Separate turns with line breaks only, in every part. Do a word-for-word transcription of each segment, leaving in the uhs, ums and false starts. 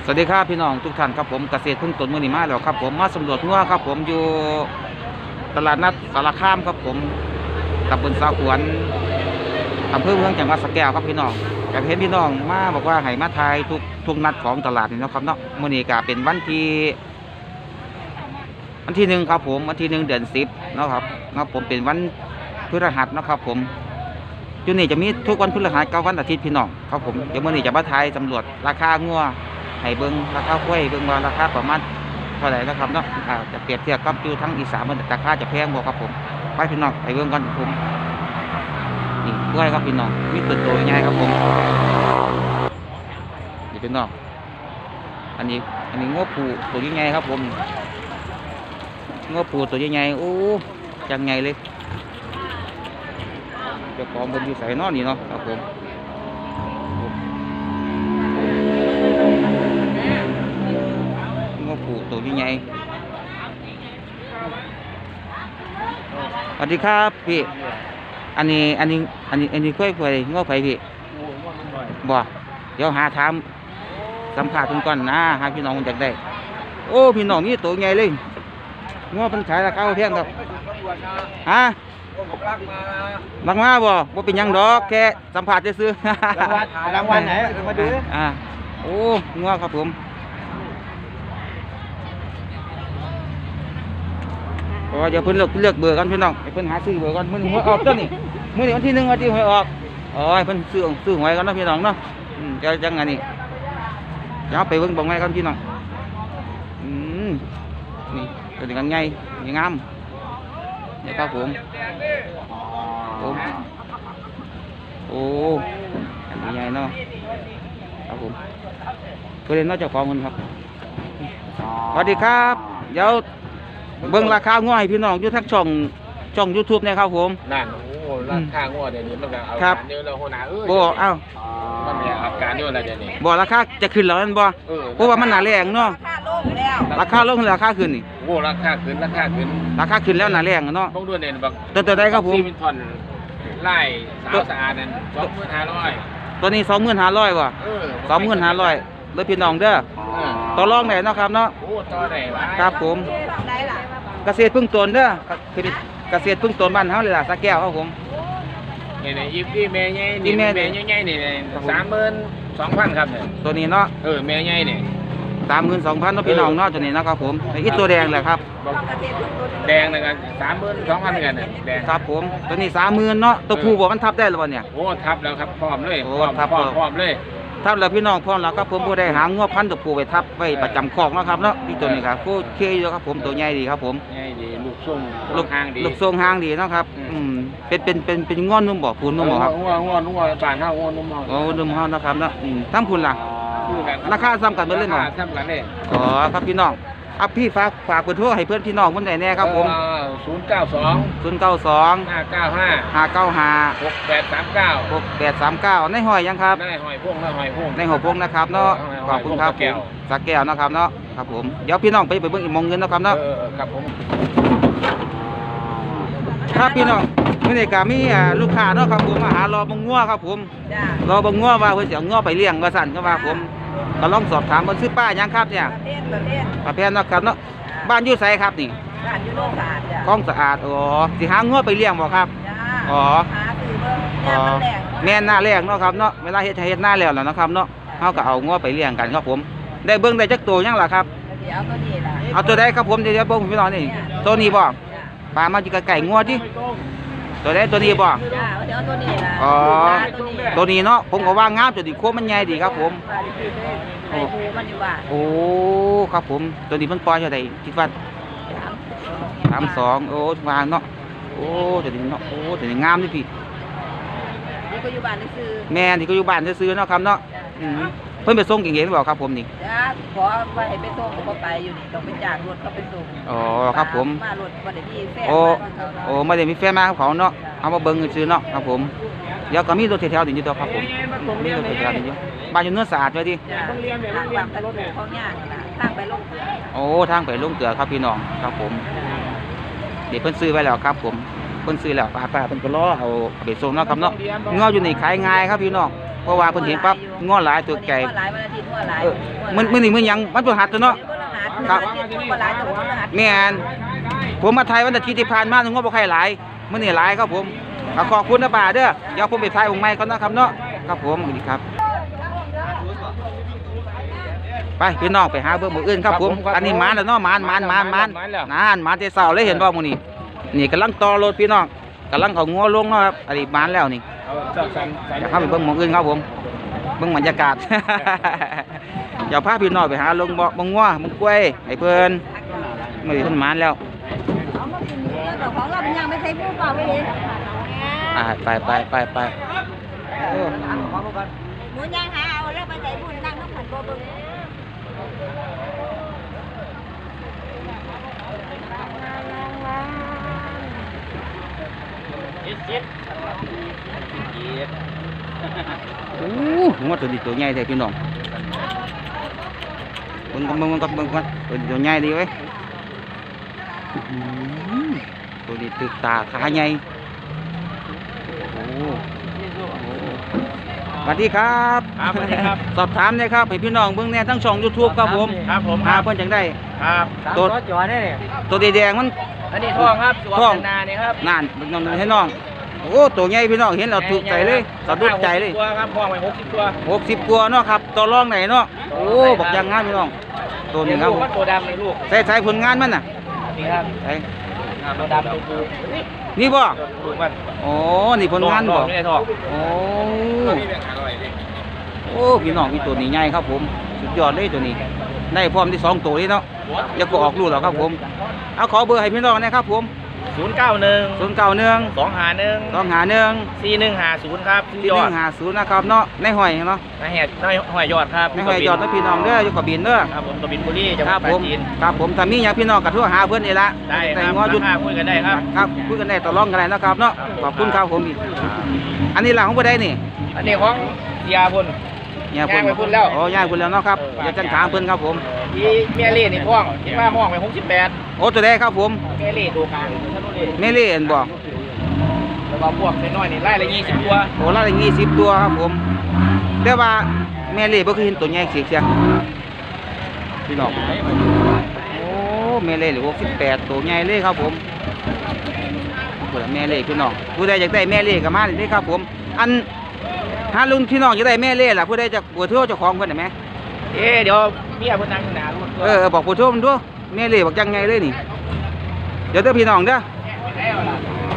สวัสดีครับพี่น้องทุกท่านครับผมเกษตรพึ่งตนมือหนีมาแล้วครับผมมาสำรวจงัวครับผมอยู่ตลาดนัดสารคามครับผมตำบลสาขวนอำเภอเมืองจังหวัดสระแก้วครับพี่น้องอยากเห็นพี่น้องมาบอกว่าให้มาทายทุกทุกนัดของตลาดนี่นะครับเนาะมือนี้ก็เป็นวันที่วันที่หนึ่งครับผมวันที่หนึ่งเดือนสิบนะครับนะครับผมเป็นวันพฤหัสนะครับผมอยู่นี่จะมีทุกวันพฤหัสกับวันอาทิตย์พี่น้องครับผมเดี๋ยวมือนี้จะมาทายสำรวจราคางัวให้เบิ้งราคากล้วยเบิ้งว่าราคาประมาณเท่าไหร่นะครับเนาะอ่าจะเปรียบเทียบกับอยู่ทั้งอีสานมันราคาจะแพงบ่ครับผมไปพี่น้องไปเบิ้งกันผมนี่กล้วยครับพี่น้องมีตัวโตใหญ่ครับผมนี่พี่น้องอันนี้อันนี้งวปูตัวใหญ่ครับผมงวปูตัวใหญ่โอ้จังใหญ่เลยเจ้าของบนอยู่ใส่นอนนี่เนาะครับผมงอปูตัวใหญ่สวัสดีครับพี่อันนี้อันนี้อันนี้อันนี้ค่อยไปงอไผพี่บ่เดี๋ยวหาถามสัมภาษณ์ทุกคนนะหาพี่น้องอยากได้โอ้พี่น้องนี่ตัวใหญ่เลยงอเป็นขายราคาแพงครับฮะบางมาบ่บ่เป็นยังดอกแค่สัมภาษณ์ซื้อรางวัลรางวัลไหนมาดูอ่าโอ้งัวครับผมโอ้เดี๋ยวเพิ่นเลือกเลือกเบอร์กันพี่น้องเพิ่นหาซื้อเบอร์กันมื้อนี้หวยออกตัวนี้มื้อนี้วันที่หนึ่งวันที่หวยออกอ๋อเพิ่นซื้อซื้อหวยกันเนาะพี่น้องเนาะอืมจะจังไงนี่เดี๋ยวไปเบิ่งบ่งไงกันพี่น้องอืมนี่ตัวนี้กันใหญ่งามนี่ครับผมผมโอ้อันนี้ใหญ่เนาะครับผมเพื่อนน้องเจ้าของคนครับสวัสดีครับเดี๋ยวเบิ่งราคาง่อยพี่น้องอยู่ทั้งช่องช่อง ยูทูบ เนี่ยครับผม
นั่นโอ้ราคางัวเดี๋ยวนี้มันก็เอาการเยอะแล้วหัวหน้าเอ้ย
บ่เอ้า
มันเนี่ยเอาการเยอะแล้วเดี๋ยวนี้
บ่ราคาจะขึ้นแล้วนั่นบ่เพราะว่ามันหนาแรงเนาะราคาลงแล้วราคาขึ้นนี่
โอ้ราคาขึ้นราคาขึ้น
ราคาขึ้นแล้วหนาแรงเนาะ
ต้องด้วยเนี่ยบัก
ตัวตัวใดครับผม
ซีมินทอนไล่สาวสะอาดนั่นสองหมื่นห้าร้อย
ตัวนี้สองหมื่นห้าร้อยบ่สองหมื่นห้าร้อยเด้อพี่น้องเด้อต่อรองได้เนาะครับเนาะ
โอ้ต่อได้
ครับผมเกษตรพึ่งตนเด้อเกษตรพึ่งตนบ้านเฮาเลยล่ะสระแก้วครับผม
นี่นี่อีพี่แม่ใหญ่นี่แม่ใหญ่ๆนี่สามหมื่นสองพันครับเนี่ย
ตัวนี้เนาะ
เออแม่ใหญ่นี่
สามหมื่นสองพันเนาะพี่น้องเนาะตัวนี้นะครับผมอีตัวแดงแหละครับ
แดงนะกันสามหมื่นสองพันกันเนี่ยแดง
ครับผมตัวนี้สามหมื่นเนาะตัวผู้บอกมันทับได้หรือเปล่าเนี่ย
โอ้ทับแล้วครับพร้อมเลย
โอ้ทับ
พร้อมเลย
ทับแล้วพี่น้องพร้อมแล้วครับผมผู้ใดหางงวพันตัวผู้ไปทับไว้ประจำคอกนะครับเนาะที่ตัวนี้ครับผู้เคยอยู่ครับผมตัวใหญ่ดีครับผม
ใหญ่ดีลูกทรง
ลูกหางดีลูกทรงหางดีนะครับอืมเป็นเป็นเป็นเป็นง้อนนุ่มบ่พูนนุ่มบ่ครับ
ง้อนง้อนนุ่มบานเท่าง้อนนุ่ม
โอ้นุ่มเฮานะครับเนาะอืมทั้งพูนล่ะราคาซ้ำกันเบิดเลยเนาะ
ราคาซ้ำกันเลย
อ๋อครับพี่น้องอ่ะพี่ฝากฝากเบอร์โทรให้เพื่อนพี่น้องคนไหนแน่ครับผม
ศูนย์เก้าสอง
ศูนย์เก้าสอง
ห้าเก้าห้า
ห้าเก้าห้า
หกแปดสามเก้า
หกแปดสามเก้าในหอยยังครับ
ในหอยพวงในหอยพวง
ในหอยพวงนะครับเนาะขอบคุณครับสักแก้วนะครับเนาะครับผมเดี๋ยวพี่น้องไปไปเบิ่งอีกมองเงินนะครับเนาะ
ครับผม
ครับพี่น้องมื่อนี้ก็มีลูกค้าเนาะครับผมมาหารอบังงัวครับผมรอบังงัวว่าเพิ่นสิเอางัวไปเลี้ยงว่าสั่นก็ว่าผมก็ลองสอบถามเพิ่นซื้อป้ายังครับเนี่ยประเภทนะครับเนาะบ้านอยู่ไสครับนี่
บ้านอยู่โนนสะอาดจ้ะ
คลองสะอาดอ๋อสิหางัวไปเลี้ยงบ่ครับอ๋ออ๋อแม่นหน้าแรงเนาะครับเนาะเวลาเฮ็ดเฮ็ดหน้าแล้วล่ะนะครับเนาะเฮาก็เอางัวไปเลี้ยงกันครับผมได้เบิ่งได้จักตัวยังล่ะครับ
เดี๋ยวตัวนี้ล่ะ
เอาตัวใดครับผมเดี๋ยวเบิ่งพี่น้องนี่ตัวนี้บ่ปลามาอยู่ไก่งัวติตัวใดตัวนี้บ่
จ้าเดี๋ยวตัวนี้ล่ะ
อ๋อตัวนี้เนาะผมก็ว่างามตัวนี้โคมันใหญ่ดีครับผม
โอ้มันอยู่บ้าน
โอ้ครับผมตัวนี้มันปล่อยเท่าใดคิดว่าสามสองโอ้วางเนาะโอ้ตัวนี้เนาะโอ้ตัวนี้งามนี่พี่
นี่ก็อยู่บ้านซื้อ
แม่ที่ก็อยู่บ้านซื้อเนาะครับเนาะเพิ่นไปส่งเก่งๆหรือเปล่าครับผมนี่
จ้าขอไปให้ไปส่งก็ไปอยู่นี่ต้องไปจ้างรถเขาไปส่ง
อ๋อครับผม
มารถบ่ได้มีแฟน
โอ้โอ้ไม่ได้มีแฟนมาเขาเนาะเอามาเบิ่งซื้อเนาะครับผมเดี๋ยวก็มีรถแถวๆนี่อยู่ตัวครับผมมีรถแถวๆนี่อยู่บ้านอยู่เนื้อสะอาดไว้ดิ
ทางแบบรถเขาย่างทางไปลงเกลือ
โอ้ทางไปลงเกลือครับพี่น้องครับผมเดี๋ยวเพิ่นซื้อไว้แล้วครับผมเพิ่นซื้อแล้วป้าป้าเพิ่นก็รอเอาไปส่งเนาะครับเนาะเงาอยู่นี่ขายง่ายครับพี่น้องเพราะว่าเพิ่นเห็นปั๊บง้อหลายตัวไก่
หลายวันอาทิตย์หัวหลาย
เออมันมื้อนี้มื้อหยังมันพฤหัสตัวเนาะ
ครับหัวหลายแต่ว่าหัวหลาย
แม่นผมมาไทยวันอาทิตย์ที่ผ่านมาง้อบ่ค่อยหลายมื้อนี้หลายครับผมก็ขอบคุณนะป้าเด้อเดี๋ยวผมไปถ่ายองค์ใหม่ก่อนนะครับเนาะครับผมสวัสดีครับไปพี่น้องไปหาเบิ่งหมู่อื่นครับผมอันนี้มานแล้วเนาะมานมานมานมานนานมานแต่เช้าเลยเห็นบ่มื้อนี้นี่กำลังต่อรถพี่น้องกำลังเอางัวลงเนาะครับอันนี้มานแล้วนี่
เอาเจ้าสันสัน
อยากเข้าไปเบิ่งหมู่อื่นครับผมเบิ่งบรรยากาศ อย่าพาพี่น้องไปหาลงบ่บ่งัวบ่กล้วยให้เพิ่นมื้อนี้เพิ่นมานแล้ว
ของเราเป็นยังไม่ใช่ผู้เปล่าไปเลย
อ่าไปไปไปไปเออ
หมูย่างหาเอาแล้วไปใส่บุญนั่งน้ำผัดบัวบึง
โอ้งัวตัวนี้ตัวใหญ่แท้พี่น้องเบิ่งกันเบิ่งกันเบิ่งกันตัวนี้ตัวใหญ่ดีเว้ยอื้อหือตัวนี้ตึกตาขาใหญ่โอ้โหสวัสดีครับ
ครับสวัสดีครับ
สอบถามเลยครับให้พี่น้องเบิ่งแน่ทั้งช่อง YouTube ครับผม
ครับผมค
หา
รับ
เพิ่นจังได้
ครับ
ตัว
รถจอดเนี่ย
ตัวแดงๆมัน
อันนี้ท่องครับสวม
ท่อง
นาเนี่ยครับ
นั่นน้องๆให้น้องโอ้ตัวใหญ่พี่น้องเห็นแล้วถูกใจเลยสะดุดใจเลย
ตัวครับท่องไปหกสิบตัว
หกสิบกว่าเนาะครับต่อรองไหนเนาะโอ้บอกอยังงานพี่น้องตัวนี้ครับ
ลูกมันตัวดำในลูก
ใส่ใส่ผลงานมันน่ะ
นี่ครับ
ใส่
ตัวดำตัวปูนี่
นี่บ่
ลูกมัน
โอ้นี่ผลงาน
ท่
บ่
องไม่ได้ท่อง
โอ้โอ้พี่น้องมีตัวนี้ใหญ่ครับผมสุดยอดเลยตัวนี้ได้พร้อมที่สองตัวเลยเนาะอย่าก็ออกลูกหรอกครับผมเอาขอเบอร์ให้พี่น้องนะครับผม
ศูนย์เก้าหนึ่ง
ศูนย์เก้าหนึ่ง
สองหาหนึ่ง
สองหาหนึ่ง
สี่หนึ่งหาศูนย์ครับ
สี่
ย
ห
อ
นึ่
ด
งหาศูนย์นะครับเนาะในหอยเนาะ
นายแหดนายหอยยอดครับ
ในหอยยอดนะพี่น้องเด้ออยู่กับบินเด้อ
ครับผมกบินบุรีจังห
ค
วั
รั
ด
บ
ปรา
ผม
จีน
ครับผมถ้ามีอย่างพี่น้องกับทั่วหาเพื่อนนี่ละ
ได้ค
แต่
รับ
งอหยุด
ราคาคุยกันได้ครับ
ครับคุยกันได้ต่อรองกันได้นะครับเนาะขอบคุณครับผมอีกอันนี้หลังของผู้ใดนี่
อันนี้ของเสียพุ่น
เนี่ย
ย่างไปพุ่นแล้ว
อ๋อย่างพุ่นแล้วเนาะครับอย่าจังถามเพิ่นครับผม
ที่เมียเล่นี่ห้องที่ว่าห้องไปหกสิบแปด
โอ้ตัวใดครับผม
เมียเล่ตัวกลางถนนเล่
เมเล่เห็นบ่
แล้วก็พวกน้อยๆนี่ไล่ละยี่สิบตัว
โอ้ละยี่สิบตัวครับผมแต่ว่าแม่เล่บ่เคยเห็นตัวใหญ่เสียเสียพี่น้องโอ้แม่เล่หรือหกสิบแปดตัวใหญ่เลยครับผมผู้ใดแม่เล่พี่น้องผู้ใดอยากได้แม่เล่ก็มาเลยครับผมอันถ้าลุงพี่น้องอยากได้แม่เล่ล่ะผู้ใดจะปวดเท่าเจ้าของเพิ่นได้ไหม
เอ๊ะเดี๋ยวเมียพุ่นนั่งอยู่หน้ารถ
เออบอกปวดเท่ามันด้วยแม่เล่บอกจังไงเลยนี่เดี๋ยวเด้อพี่น้องเด้อ
แล้วล่ะ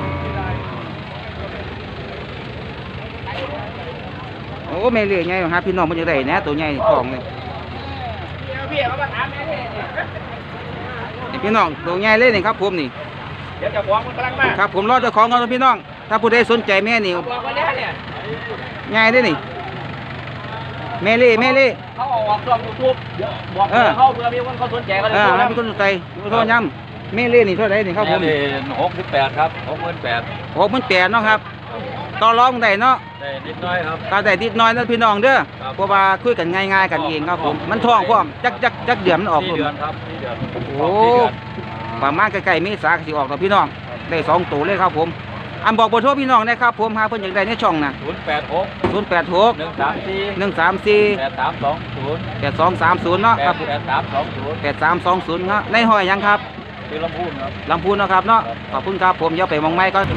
โอ้แม่เล่ใหญ่ฮะพี่น้องมันจะได้แหนะตัวใหญ่ของเลย
เมียเขามาถามแม่เล่นี่
นี่พี่น้องตัวใหญ่เลยนี่ครับผมนี่
เดี๋ยวเจะฟ้าของมันกำลังมา
ครับผมรอเจ้าของกันพี่น้อง ถ้าผู้ใดสนใจแม่นี่
บอกว่าเนี่ยเนี่ย
ใหญ่เลยนี่แม่เล่แม่เล่
เขาเอาออกช่องยูทูบบอก
เออ
เขาเผื่อมีคนเขาสนใจเขาเลย
เออ
โทร
ให้
นะ
มีคนสนใจโทรย้ำแม่เล่นี่เท่าไหร่นี่ครับผม
หกสิบแปดครับหกหมื่นแปด
โอ้มันแปดเนาะครับต่อรองได้เนาะ
ได้นิดน้อยครับ
ก็ได้นิดหน้อยนะพี่น้องเด้อ
ครับ
เพราะว่าคุยกันง่ายๆกันเองครับผมมันท้องพร้อมจักจักจักเดือนมันออก
สี่
ผม
เดือนครับสี่เดือน
โอ้ประมาณใกล้ๆเมษาสิออกกับพี่น้องได้สองตัวเลยครับผมอันบอกเบอร์โทรพี่น้องนะครับผมหาเพิ่นอยากได้ในช่องน่ะ
ศูนย์แปดหก
ศูนย์แปดหก
หนึ่งสามสี่
หนึ่งสามสี่
แปดสามสองศูนย์
แปดสองสามศูนย์เนาะ
แป
ครั
ด
บ
แปดสามสองศูนย์
แปดสามสองศูนย์ครับในหอยยังครับ
คือลำพูนครับ
ลำพูนเนาะครับเนาะขอบคุณครับผมเดี๋ยวไปมองไม้ก็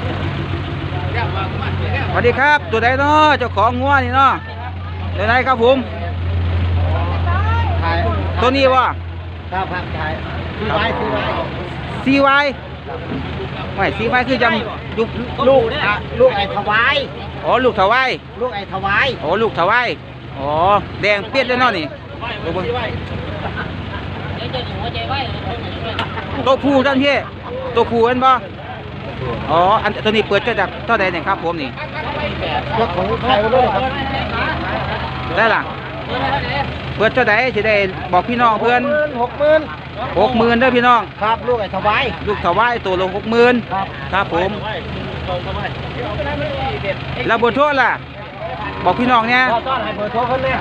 สวัสดีครับ ตัวใดเนาะเจ้าของงัวนี่เนาะตัวไหนครับผม
ถ่าย
ตัวนี้วะ
ครับครับถ่ายซื้อไว้ซื้อไว้
ซีไวไม่ซีไวคือยังยุค
ลูกอ่ะลูกไอ้ถวาย
อ๋อลูกถวาย
ลูกไอ้ถวาย
อ๋อลูกถวายอ๋อแดงเปียดเลยเนาะนี่ดูเบิ่งตัวผู้ท่านพี่ตัวผู้เห็นบ่อ๋ออันตัวนี้เปิดเท่าจากเท่าใดเนี่ยครับผมนี่
รถของใครมาด้วยครับ
ได้ล่ะเปิดเท่าใดสิได้บอกพี่น้องเพื่อน
หกหมื่น
หกหมื่นเด้อพี่น้อง
ครับลูกไอ้ถวาย
ลูกถวายตัวละหกหมื่น
ครับ
ครับผมแล้วเบนโทษล่ะบอกพี่น้องเนี่ย
ก็ต้อนให้เบอร์โทรเพิ่นเลย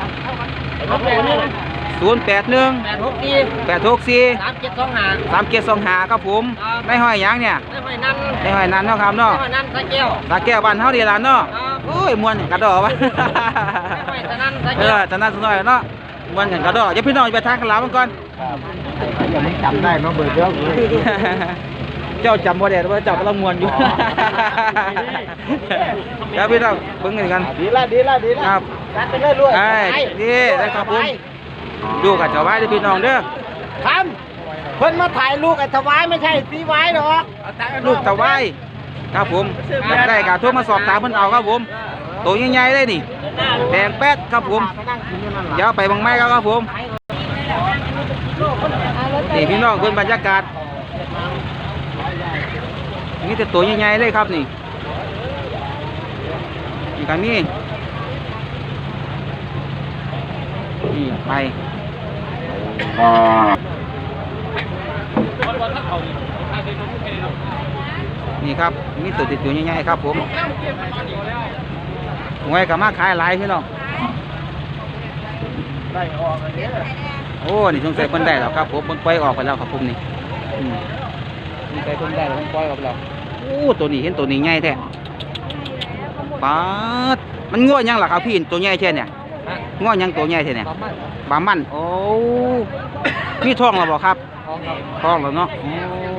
ศูนย์แปดหนึ่ง
แปดหกสี่
แปดหกสี่
สามเจ็ดสองห้า
สามเกียรสองหาครับผมในห้อยหยังเนี่ย
ได้หอยนั่น
ในห้อยนั้นเนาะครับเนาะ
ได้หอยนั่นตะเกียว
ตาแก้วบ้านเฮาดีล่ะเนาะ
ครับ
โโอ้ยมวนกระดอวะ
ไม่ฉะนั้น
เออจะนั่นสักหน่อยเนาะมวนกันกระดออย่าพี่น้องไปทางกันลาวมันก่อน
อย่ามึงจำได้มาเบิดเยอะ
เจ้าจำบ่ได้ว่าเจ้ากำลังมวนอยู่เดี๋ยวพี่น้องเบิ่งกันกัน
ดีละดีละดีละ
ครับ
การไปเรื่อยๆ
ไอ้นี่ได้ครับผมดูกับเจ้าไว้เด้อพี่น้องเด้อ
ทำเพิ่นมาถ่ายลูกไอ้ถวายไม่ใช่สีไว้หรอก
ลูกตะไว้ครับผมอยากได้ก็โทรมาสอบถามเพิ่นเอาครับผมตัวใหญ่ๆเลยนี่แดงแป๊ดครับผมเดี๋ยวไปบางไม้ครับครับผมนี่พี่น้องเพิ่นบรรยากาศนี่แต่ตัวใหญ่ๆเลยครับนี่นี่ก็มีนี่ไปนี่ครับมีตัวติดอยู่ใหญ่ๆครับผมหวยกับมาขายหลายพี่น้อง
ได้ออกอันนี้
โอ้นี่สงสัยเพิ่นได้แล้วครับผมเพิ่นปล่อยออกไปแล้วครับผมนี่อืมนี่ไปเพิ่นได้แล้วเพิ่นปล่อยออกไปแล้วโอ้ตัวนี้เห็นตัวนี้ใหญ่แท้ป๊าดมันง้อยังล่ะครับพี่ตัวใหญ่แค่เนี่ยง้อยังตัวใหญ่แท้เนี่ยบามันโอ้มีท้องแล้วบ่ครับท้องแล้วเนาะโอ้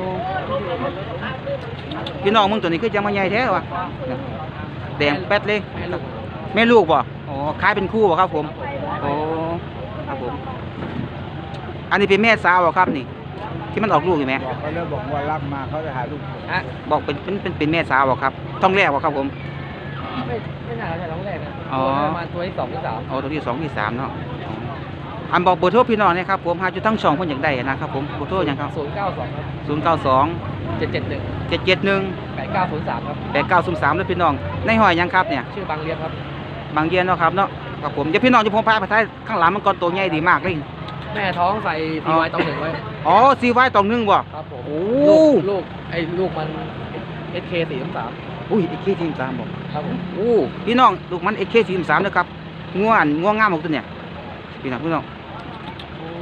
พี่น้องมึงตัวนี้คือจะมาใหญ่แท้วะแดงแป๊ดเลยแม่ลูกบ่อ๋อขายเป็นคู่บ่ครับผมโอ้ครับผมอันนี้เป็นแม่สาวเหรอครับนี่ที่มันออกลูกอยู่ไหม
เขาเริ่มบอกว่ารับมาเขาจะหาลูก
ฮะบอกเป็นเป็นเป็นเป็นแม่สาวเหรอครับท้องแรกเหรอครับผม
ไม่ไม่น่าจะร้องแรกนะ
อ๋อ
ประมาณตัวที่สองที่สาม
เอาตัวที่สองที่สามเนาะอ๋ออันบอกเบอร์โทรพี่น้องนะครับผมหาจุดทั้งสองคนอยากได้นะครับผมเบอร์โทรยังครับ
ศูนย์เก้าสองครับ
ศูนย์เก้าสอง
เจ็ดเจ็ดหนึ่ง
เจ็ดเจ็ดหนึ่ง
แปดเก้าศูนย์สามครับ
แปดเก้าศูนย์สามเลยพี่น้องในหอยยังครับเนี่ย
ชื่อบางเรียนครับ
บางเยียนเนาะครับเนาะครับผมเดี๋ยวพี่น้องจะพงพาไปท้ายข้างหลังมันก่อนตัวใหญ่ดีมากเลย
แม่ท้องใส่ทีไว้ต้องหนึ่งไว้
อ๋อซีไว้ตองหนึงบ่
ครับผม
โอ้
ลูกลูกไอ้ลูกมันเอสเคสี่สาม
อุ้ยเอเคทีมสามบ่
ครับผม
โอ้พี่น้องลูกมันเอเคทีมสามนะครับง่วนง่วงงามของตัวเนี่ยพี่น้องพี่น้องโอ้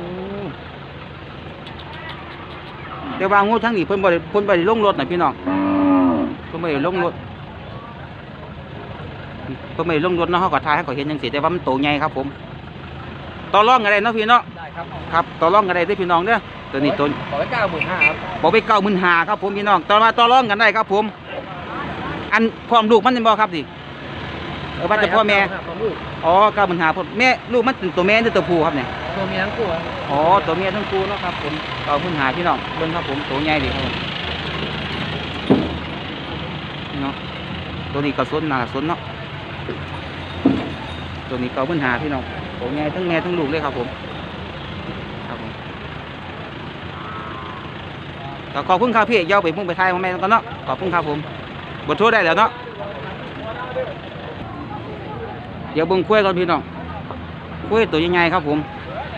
แต่ว่างูทั้งนี้เพิ่นบ่ได้เพิ่นบ่ได้ลงรถน่ะพี่น้องเพิ่นบ่ได้ลงรถเพิ่นบ่ได้ลงรถเนาะเฮาก็ถ่ายให้เขาเห็นจังซี่แต่ว่ามันโตใหญ่ครับผมต่อรองกันได้เนาะพี่เนาะ
ได้ครับ
ครับต่อรองกันได้เด้อพี่น้องเด้อตัวนี้ตัว
บอกไว้เก้าหมื่นห้าครับ
บอกไปเก้าหมื่นห้าครับผมพี่น้องต่อมาต่อรองกันได้ครับผม อันพร้อมลูกมันเป็นบ่ครับดิเออว่าแต่พ่อแม่
ครับของลูก
อ๋อเก้าหมื่นห้าพ่อแม่ลูกมันเป็นตัวแม่หรือตัวผู้ครับเนี่ย
ตัวเมียทั้งคู่ครับ
อ๋อตัวเมียทั้งคู่เนาะครับผมเก้าหมื่นห้าพี่น้องเบิ่งครับผมตัวใหญ่ดีครับผมนี่เนาะตัวนี้ก็สนหนาสนเนาะตัวนี้เก้าหมื่นห้าพี่น้องตัวใหญ่ทั้งแม่ทั้งลูกเลยครับผมครับผมก็ขอบคุณครับพี่เย้าไปมุ่งไปไทยมาแม่กันเนาะขอบคุณครับผมบทโทษได้แล้วเนาะเดี๋ยวเบิ่งกล้วยก่อนพี่น้องกล้วยตัวใหญ่ๆครับผม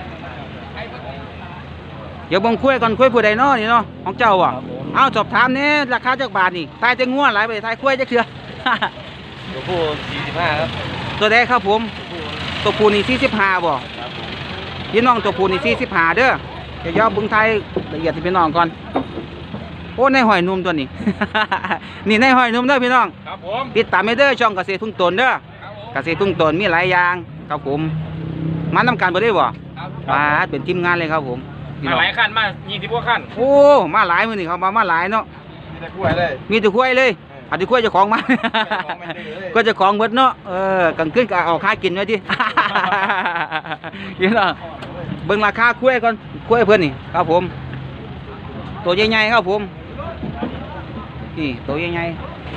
เดี๋ยวเบิ่งกล้วยก่อนกล้วยผู้ใดเนาะนี่เนาะของเจ้าอ่ะเอาสอบถามเนี่ยราคาจักบาทนี่ทายจะง่วงหลายไปทายกล้วยจักเถื่อ
ตัวผู้สี่สิบห้าครับ
ตัวใดครับผมตัวผู้นี่สี่สิบห้าบ่พี่น้องตัวผู้นี่สี่สิบห้าเด้อเดี๋ยวย้อนเบิ่งไทยละเอียดให้พี่น้องก่อนโอ้ในหอยนุ่มตัวนี้ นี่ในหอยนุ่มเด้อพี่น้อง
ครับผม
ติดตามให้เด้อช่องเกษตรทุ่งตนเด้อเกษตรทุ่งตนมีหลายอย่างครับผมมานํกันบ่ได้บ่
ครับ
มาเป็นทีมงานเลยครับผมพี่
มา
น้อง
หลายขั้นมายี่สิบกว่าขั้น
โอ้มาหลายมื้อนี่เขามามาหลายเนาะ
มีแต่กล้วยเลย
มีแต่กล้วยเลยอันที่กล้วยเจ้าของมา
ของไม่ได้เลย
ก็เจ้าของเบิดเนาะเออกลางคืนก็เอาค่ากินไว้ดิ พี่น้องเบิ่งราคากล้วยก่อนกล้วยเพิ่นนี่ครับผม ตัวใหญ่ๆครับผมนี่ตัวใหญ่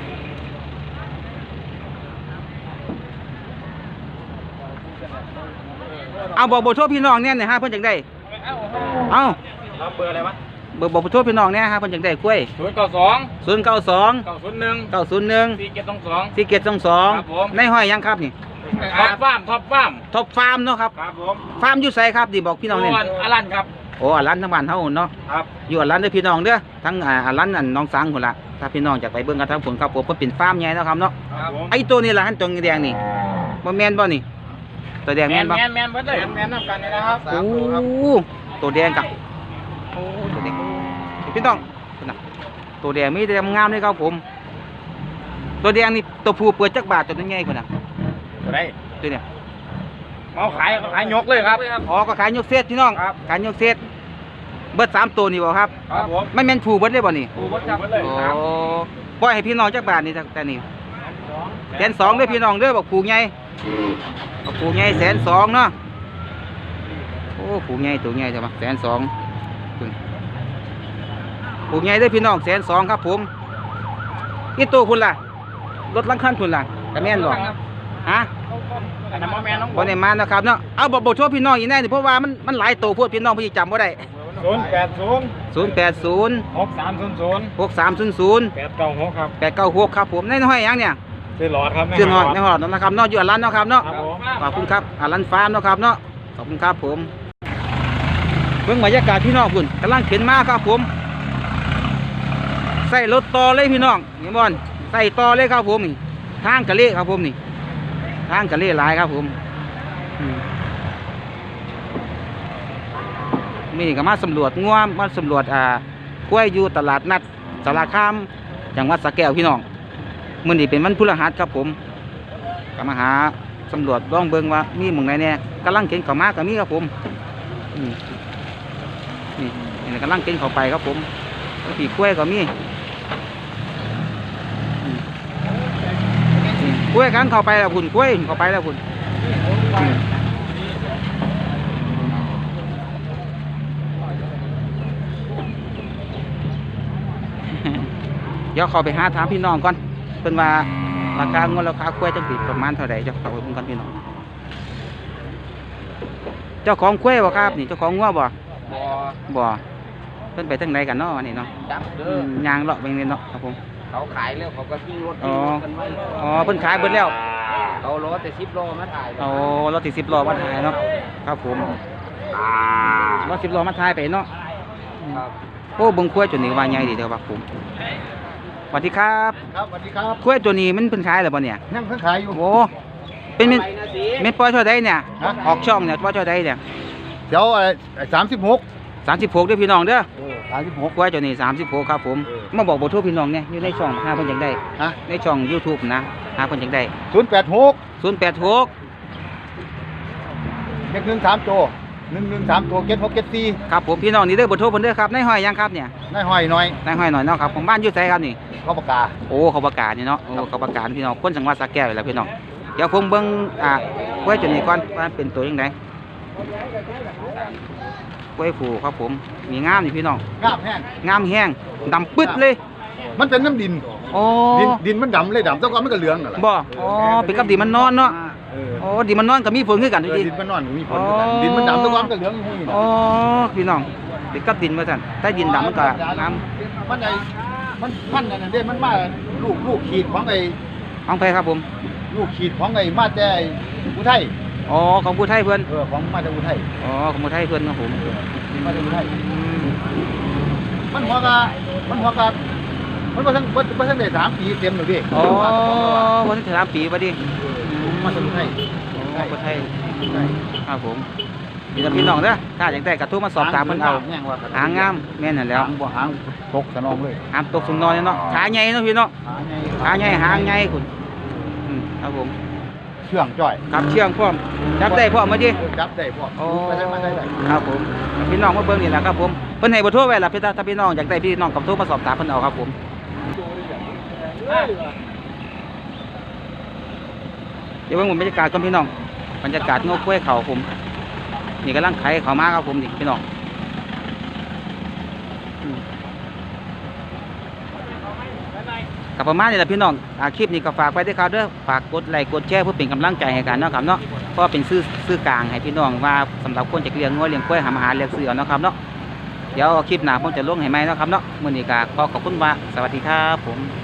ๆเอาบอกเบอร์โทรพี่น้องเนี่ยนะฮะเพิ่นจังได้เอา
ครับเบอร์อะไรวะ
เบอร์บอกเบอร์โทรพี่น้องเนี่ยฮะเพิ่นจังได้กล้วย
ศูนย์เก้าสอง
ศูนย์เก้าสอง
เก้าศูนย์หนึ่ง
เก้าศูนย์หนึ่ง
สี่เจ็ดสองสอง
สี่เกตสองสอง
ครับผม
ในห้อยยังครับนี่
ท็อปฟาร์มท็อปฟาร์ม
ท็อปฟาร์มเนาะครับ
ครับผม
ฟาร์มอยู่ไสครับดิบอกพี่น้องเนี่ย
ส่วนอลันครับ
โอ้อันร้านทั้งบ้านเฮาเนาะ
ครับ
อยู่อันร้านเด้อพี่น้องเด้อทั้งอ่าอันร้านอันน้องสังพุ่นล่ะถ้าพี่น้องอยากไปเบิ่งกันทั้งผลครับผมเพิ่นเป็นฟาร์มใหญ่เนาะครับเนาะ
ครับผม
ไอ้ตัวนี้ล่ะหันตัวแดงนี่บ่แม่นบ่นี่ตัวแดง
แม
แม่
น
นบ่
แมนแมนเบิดเลยแมนนำกันเลยนะครับ
โอ้ตัวแดงกับโอ้ตัวแดงพี่น้องพุ่นน่ะตัวแดงมีแต่งามเลยครับผมตัวแดงนี่ตัวผู้เปิดจักบาทตัวนี้ใหญ่กว่าน่ะ
ตัวไหน
ตัวเนี้ย
เอาขายขายยกเลยครับ
อ๋อก็ขายยกเซตพี่น้อง
ครับ
ขายยกเซตเบิดสามตัวนี่บ่ครับ
ครับผม
ไม่แม่นผู้เบิดเลยบ่นี่
ปูวัดจับเลย
โอ้
ครับ
ปล่อยให้พี่น้องจักบาทนี่แต่นี่แสนสองเด้อพี่น้องเด้อบอกผูใหญ่บอกผูใหญ่แสนสองเนาะโอ้ผูใหญ่ตัวใหญ่ใช่ปะแสนสองผูใหญ่เด้อพี่น้องแสนสองครับผมอีตัวคุณล่ะรถลังคันคุณล่ะกระแม่นบ่ฮะ
อันนั้นบ่แม่นน้อง
บ่ได้มานะครับเนาะเอาบอกบอกโทษพี่น้องอีกแน่นี่เพราะว่ามันมันหลายตัวโพดพี่น้องพี่จำบ่ได้
ศูนย์แปดศูนย์
ศูนย์แปดศูนย์
หกสามศูนย์ศูนย์
หกสามศูนย์ศูนย์
แปดเก้าหกครับ
แปดเก้าหกครับผมในน้อยยังเนี่ย
ซื้อหลอดครับ
ชื่อหอดในหอดนะครับเนาะอยู่อันร้านเนาะครับเนาะ
ครับผม
ขอบคุณครับอันร้านฟาร์มเนาะครับเนาะขอบคุณครับผมเบิ่งบรรยากาศพี่น้องคุณกำลังเข็นมาครับผมใส่รถต่อเลยพี่น้องนี่บอลใส่ต่อเลยครับผมนี่ทางกะเละครับผมนี่ทางกะเละหลายครับผมอืมมีก็มาสำรวจงัวมาสำรวจอ่ากล้วยอยู่ตลาดนัดสารคามจังหวัดสระแก้วพี่น้องมื้อนี้เป็นวันพฤหัสครับผมก็มาหาสำรวจลองเบิ่งว่ามีหม่องไหนแน่กำลังเข็นเข้ามาก็มีครับผมอืมนี่นี่กำลังเข็นเข้าไปครับผมปีกล้วยก็มีอืมอืมกล้วยกันเข้าไปแล้วคุณกล้วยเข้าไปแล้วคุณอืมเดี๋ยวขอไปหาถามพี่น้องก่อนเป็นว่าราคาเงินราคากล้วยจังสิประมาณเท่าไหร่เจ้าขอไปเบิ่งกันพี่น้องเจ้าของกล้วยบ่ครับนี่เจ้าของงัวบ่
บ่
บ่เพิ่นไปทางไหนกันเนาะวันนี้เนาะ
จับเด้
อื
อ
มยางเลาะไปนี่เนาะครับผม
เขาขายแล้วเขาก็ทิ้งรถ
อ๋
ทิ้
อ
งรถกันไว้
อ๋อเพิ่นขายเบิดแล้ว
เอารถแต่สิบโลมาถ่าย
เอารถติดสิบล้อมาถ่ายเนาะครับผมรถสิบล้อมาถ่ายไปเนาะ
ครับ
โอ้เบิ่งกล้วยตัวนี้ว่าใหญ่ดีเด้อครับผมสวัสดีครับ
ครับสวัสดีครับ
กล้วยตัวนี้มันเพิ่นขายแล้วบ่เนี่ย
นั่งเพิ่งขายอยู่
โอ้เป็นเป็น
ไปนะสิ
เม็ดปล่อยเท่าใดเนี่ย
ฮะ
ออกช่องเนี่ยปล่อยเท่าใดเนี่ย
เดี๋ยวสามสิบหก
สามสิบหกเด้อพี่น้องเด้อ
สามสิบหก
กล้วยตัวนี้สามสิบหกครับผมมาบอกเบอร์โทรพี่น้องเนี่ยอยู่ในช่องหาเพิ่นจังได้
ฮะ
ในช่อง YouTube นะหาเพิ่นจังได้
ศูนย์แปดหก
ศูนย์แปดหก
เด็กหนึ่งสามตัวหนึ่งหนึ่งสามตัวเก็ตหกเก็ตสี่
ครับผมพี่น้องนี่เด้อเบอร์โทรเพิ่นเด้อครับในห้อยยังครับเนี่ย
นายห้อยหน่อย
ในห้อยหน่อยเนาะครับผมบ้านอยู่ไสครับนี่
เข้าปากกา
โอ้เขาประกาศนี่เนาะโอ้เขาประกาศพี่น้องคนจังหวัดสระแก้วนี่แหละพี่น้องเดี๋ยวผมเบิ่งอ่ากล้วยตัวนี้ก่อนว่าเป็นตัวยังไงกล้วยผูครับผมมีงามนี่พี่น้อง
งาบแห้ง
งามแห้งดำปึ๊ดเลย
มันเป็นน้ำดิน
โอ้
ดินดินมันดำเลยดำแต่ก่อนมันก็เหลืองนั่นแหละ
บ่อ๋อเป็นกับดินมันนอนเนาะ
เออ
โอ้ดินมันนอนก็มีฝนคือกัน
เอ
ดู
อ
ดิ
ดินมันนอนก็มีผลเหมือนกันดินมันดำแต่ก่อนมันก็เหลืองอยู่นี่นะ
อ๋อพี่น้องเป็นกับดินมาสั่นใต้ดินดำมันก็งาม
มันไอ้มันมันนั่นนะเด้มันมาลูกลูกขีดของไอ้
ของไปครับผม
ลูกขีดของไอ้มาแต่ไอ้อุทัย
อ๋อของผู้ไทยเพื่อน
เออของมาแต่อุทัย
อ๋อของผู้ไทยเพื่อนครับผม
มาแต่อุทัย
อืม
มันหัวกะมันหัวกะมันบ่ทันบ่บ่ทันได้สามปีเต็มหรอกพี่
อ๋อวันที่สามปีพอดี
มาจากอุทัย
อ๋อผู้ไทยครับผมมีแต่พี่น้องเด้อถ้าอยากได้กระทู้มาสอบถามเพิ่นเอา
แง่งว่า
หางงามแม่นนั่นแหล้ว
หางบ่หางตกสนองเลย
หามตกสุนนอนเนาะขาใหญ่เนาะพี่เนาะ
หางใหญ่
ขาใหญ่หางใหญ่คุณอืมครับผม
เชื่องจ้อย
ขับเชียงพร้อมจับได้พร้อมมาดิ
จับได้พวก
โอ้
ไปได้มาได้ได้
ครับผมพี่น้องมาเบิ่งนี่แหละครับผมเพิ่นให้เบอร์โทรไว้ล่ะพี่ตาถ้าพี่น้องอยากได้พี่น้องกับโทรมาสอบถามเพิ่นเอาครับผมเดี๋ยวเบิ่งบรรยากาศก่อนพี่น้องบรรยากาศงอกกล้วยเขาผมนี่กำลังไขเขามาครับผมนี่พี่น้องอืมกับประมาณนี้แหละพี่น้องอาคลิปนี้ก็ฝากไว้ด้วยครับเด้อฝากกดไลค์กดแชร์เพื่อเป็นกำลังใจให้กันเนาะครับเนาะเพราะเป็นซื้อซื้อกลางให้พี่น้องว่าสำหรับคนจะเลี้ยงงัวเลี้ยงกล้วยหาอาหารเลี้ยงเสือเนาะครับเนาะเดี๋ยวคลิปหน้าผมจะลงให้ไหมเนาะครับเนาะมื้อนี้ก็ขอขอบคุณว่าสวัสดีครับผม